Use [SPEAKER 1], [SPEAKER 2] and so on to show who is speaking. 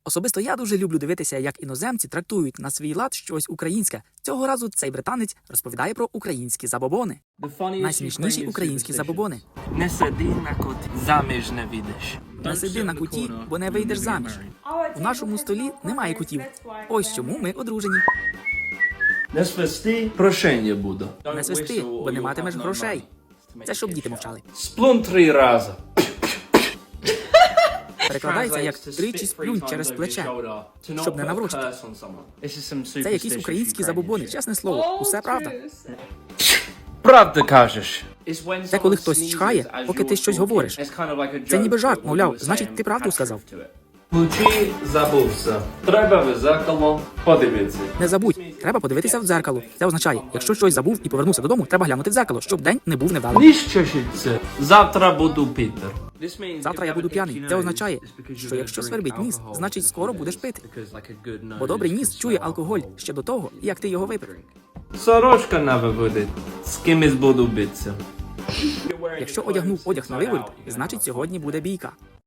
[SPEAKER 1] Особисто я дуже люблю дивитися, як іноземці трактують на свій лад щось українське. Цього разу цей британець розповідає про українські забобони. Найсмішніші українські забобони.
[SPEAKER 2] Не сиди на куті, заміж не вийдеш.
[SPEAKER 1] Не сиди на куті, бо не вийдеш заміж. У нашому столі немає кутів. Ось чому ми одружені.
[SPEAKER 2] Не свисти, прошення буду.
[SPEAKER 1] Не свисти, бо не матимеш грошей. Це щоб діти мовчали.
[SPEAKER 2] Сплун 3 рази.
[SPEAKER 1] Перекладається як тричі сплюнь через плече, щоб не наврочити. Це якісь українські забобони, чесне слово, усе правда.
[SPEAKER 2] Правда кажеш.
[SPEAKER 1] Це коли хтось чхає, поки ти щось говориш. Це ніби жарт, мовляв, значить ти правду сказав.
[SPEAKER 2] Ключі забувся. Треба в зеркало подивитися.
[SPEAKER 1] Не забудь, треба подивитися в дзеркало. Це означає, якщо щось забув і повернувся додому, треба глянути в дзеркало, щоб день не був невдалим.
[SPEAKER 2] Ніщо це. Завтра буду Пітер.
[SPEAKER 1] Завтра я буду п'яний. Це означає, що якщо свербить ніс, значить скоро будеш пити. Бо добрий ніс чує алкоголь ще до того, як ти його випив.
[SPEAKER 2] Сорочка на виводить. З кимось буду битися.
[SPEAKER 1] Якщо одягнув одяг на виворіт, значить сьогодні буде бійка.